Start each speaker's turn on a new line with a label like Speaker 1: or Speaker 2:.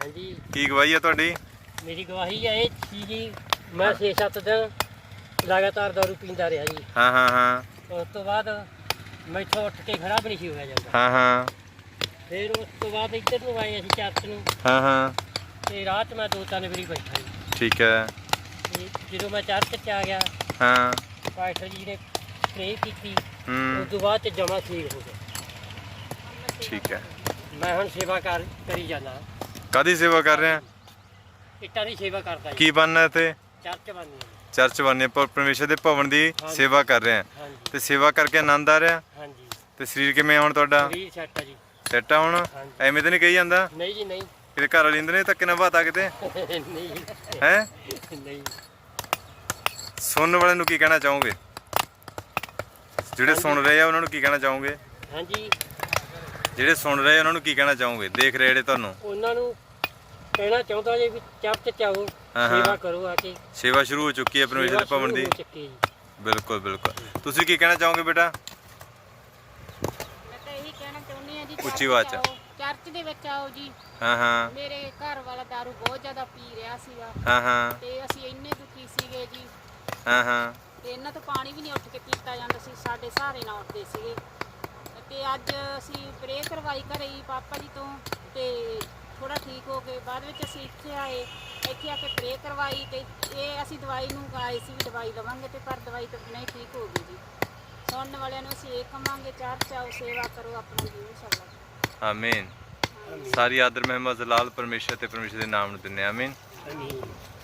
Speaker 1: ਹਾਂਜੀ
Speaker 2: ਕੀ ਗਵਾਹੀ ਹੈ ਤੁਹਾਡੀ?
Speaker 1: ਮੇਰੀ ਗਵਾਹੀ ਹੈ ਇਹ ਸੀ ਜੀ, ਮੈਂ 6-7 ਦਿਨ ਲਗਾਤਾਰ ਦਾਰੂ ਪੀਂਦਾ ਰਿਹਾ ਜੀ।
Speaker 2: ਹਾਂ ਹਾਂ ਹਾਂ
Speaker 1: ਉਸ ਤੋਂ ਬਾਅਦ ਮੈਥੋਂ ਉੱਠ ਕੇ ਖੜਾ ਵੀ ਨਹੀਂ ਸੀ ਹੋਇਆ ਜਾਂਦਾ।
Speaker 2: ਹਾਂ ਹਾਂ
Speaker 1: ਫਿਰ ਉਸ ਤੋਂ ਬਾਅਦ ਇੱਧਰ ਨੂੰ ਆਏ ਅਸੀਂ ਚਰਚ ਨੂੰ,
Speaker 2: ਹਾਂ ਹਾਂ
Speaker 1: ਤੇ ਰਾਹ 'ਚ ਮੈਂ 2-3 ਵਾਰੀ ਬੈਠਾ ਜੀ।
Speaker 2: ਠੀਕ ਹੈ।
Speaker 1: ਤੇ ਜਦੋਂ ਮੈਂ ਚਰਚ 'ਚ ਆ ਗਿਆ,
Speaker 2: ਹਾਂ
Speaker 1: ਪਾਸਟਰ ਜੀ ਨੇ ਪ੍ਰੇ ਕੀਤੀ,
Speaker 2: ਹੂੰ
Speaker 1: ਉਸ ਤੋਂ ਬਾਅਦ 'ਚ ਜਮਾ ਠੀਕ ਹੋ ਗਿਆ।
Speaker 2: ਠੀਕ ਹੈ।
Speaker 1: ਮੈਂ ਹੁਣ ਸੇਵਾ ਕਰੀ ਜਾਂਦਾ,
Speaker 2: ਕਾਹਦੀ ਸੇਵਾ ਕਰ ਰਹੇ ਆ?
Speaker 1: ਇੱਟਾਂ ਦੀ ਸੇਵਾ ਕਰਦਾ ਜੀ।
Speaker 2: ਕੀ ਬਣਨਾ ਇੱਥੇ?
Speaker 1: ਚਰਚ ਬਣਨੀ ਹੈ।
Speaker 2: ਚਰਚ ਬਣਨੀ ਪਰ ਪਰਮੇਸ਼ਰ ਦੇ ਭਵਨ ਦੀ
Speaker 1: ਹਾਂਜੀ।
Speaker 2: ਸੇਵਾ ਕਰ ਰਹੇ ਆ
Speaker 1: ਹਾਂਜੀ
Speaker 2: ਤੇ ਸੇਵਾ ਕਰਕੇ ਆਨੰਦ ਆ ਰਿਹਾ
Speaker 1: ਹਾਂਜੀ,
Speaker 2: ਤੇ ਸਰੀਰ ਕਿਵੇਂ ਹੁਣ ਤੁਹਾਡਾ?
Speaker 1: ਸਰੀਰ ਸੈੱਟ ਆ ਜੀ।
Speaker 2: ਸੈੱਟ ਆ ਹੁਣ?
Speaker 1: ਹਾਂਜੀ।
Speaker 2: ਐਵੇਂ ਤਾਂ ਨਹੀਂ ਕਹੀ ਜਾਂਦਾ
Speaker 1: ਨਹੀਂ ਜੀ ਨਹੀਂ।
Speaker 2: ਕਿਤੇ ਘਰ ਵਾਲੀ ਨੇ ਧੱਕੇ ਨਾਲ ਬਾਤਾ ਕਿਤੇ
Speaker 1: ਨਹੀਂ
Speaker 2: ਹੈ?
Speaker 1: ਨਹੀਂ।
Speaker 2: ਸੁਣਨ ਵਾਲਿਆਂ ਨੂੰ ਕੀ ਕਹਿਣਾ ਚਾਹੋਗੇ? ਜਿਹੜੇ ਸੁਣ ਰਹੇ ਆ ਉਹਨਾਂ ਨੂੰ ਕੀ ਕਹਿਣਾ ਚਾਹੋਗੇ?
Speaker 1: ਹਾਂਜੀ,
Speaker 2: ਜਿਹੜੇ ਸੁਣ ਰਹੇ ਆ ਉਹਨਾਂ ਨੂੰ ਕੀ ਕਹਿਣਾ ਚਾਹੋਗੇ? ਦੇਖ ਰਹੇ ਜਿਹੜੇ ਤੁਹਾਨੂੰ?
Speaker 1: ਉਹਨਾਂ ਨੂੰ ਕਹਿਣਾ ਚਾਹੁੰਦਾ ਜੀ ਵੀ ਚਰਚ 'ਚ ਆਓ,
Speaker 2: ਹਾਂ।
Speaker 1: ਸੇਵਾ ਕਰੋ ਆ ਕੇ।
Speaker 2: ਸੇਵਾ ਸ਼ੁਰੂ ਹੋ ਚੁੱਕੀ ਹੈ ਪਰਮੇਸ਼ਰ ਦੇ ਭਵਨ ਦੀ।
Speaker 1: ਸੇਵਾ ਸ਼ੁਰੂ ਹੋ ਚੁੱਕੀ ਜੀ।
Speaker 2: ਬਿਲਕੁਲ ਬਿਲਕੁਲ। ਤੁਸੀਂ ਕੀ ਕਹਿਣਾ ਚਾਹੋਗੇ ਬੇਟਾ?
Speaker 3: ਮੈਂ ਤਾਂ ਇਹੀ ਕਹਿਣਾ ਚਾਹੁੰਦੀ ਹਾਂ ਜੀ,
Speaker 2: ਉੱਚੀ ਆਵਾਜ਼ 'ਚ।
Speaker 3: ਚਰਚ ਦੇ ਵਿੱਚ ਆਓ ਜੀ।
Speaker 2: ਹਾਂ ਹਾਂ
Speaker 3: ਮੇਰੇ ਘਰ ਵਾਲਾ ਦਾਰੂ ਬਹੁਤ ਜ਼ਿਆਦਾ ਪੀ ਰਿਹਾ ਸੀਗਾ
Speaker 2: ਹਾਂ ਹਾਂ
Speaker 3: ਤੇ ਅਸੀਂ ਇੰਨੇ ਦੁਖੀ ਸੀਗੇ ਜੀ,
Speaker 2: ਹਾਂ ਹਾਂ
Speaker 3: ਤੇ ਇਹਨਾਂ ਤੋਂ ਪਾਣੀ ਵੀ ਨਹੀਂ ਉੱਠ ਕੇ ਪੀਤਾ ਜਾਂਦਾ ਸੀ, ਸਾਡੇ ਸਹਾਰੇ ਨਾਲ ਉੱਠਦੇ ਸੀਗੇ। ਤੇ ਅੱਜ ਅਸੀਂ ਪ੍ਰੇ ਕਰਵਾਈ ਘਰੇ ਹੀ ਪਾਪਾ ਜੀ ਤੋਂ, ਤੇ ਥੋੜਾ ਠੀਕ ਹੋ ਗਏ। ਬਾਅਦ ਵਿੱਚ ਅਸੀਂ ਇੱਥੇ ਆਏ, ਇੱਥੇ ਆ ਕੇ ਪ੍ਰੇ ਕਰਵਾਈ, ਤੇ ਇਹ ਅਸੀਂ ਦਵਾਈ ਨੂੰ ਆਏ ਸੀ ਵੀ ਦਵਾਈ ਲਵਾਂਗੇ, ਤੇ ਪਰ ਦਵਾਈ ਤੋਂ ਬਿਨਾਂ ਹੀ ਠੀਕ ਹੋ ਗਈ ਜੀ। ਸੁਣਨ ਵਾਲਿਆਂ ਨੂੰ ਅਸੀਂ ਇਹ ਕਹਾਂਗੇ, ਚਰਚ ਆਓ, ਸੇਵਾ ਕਰੋ, ਆਪਣਾ ਜੀਵਨ ਸਾਲਾ।
Speaker 2: ਆਮੀਨ। ਸਾਰੀ ਆਦਰ ਮਹਿਮਾ ਜ਼ਲਾਲ ਪਰਮੇਸ਼ਰ ਤੇ ਪਰਮੇਸ਼ਰ ਦੇ ਨਾਮ ਨੂੰ ਦਿੰਦੇ ਹਾਂ। ਆਮੀਨ।
Speaker 1: ਆਮੀਨ।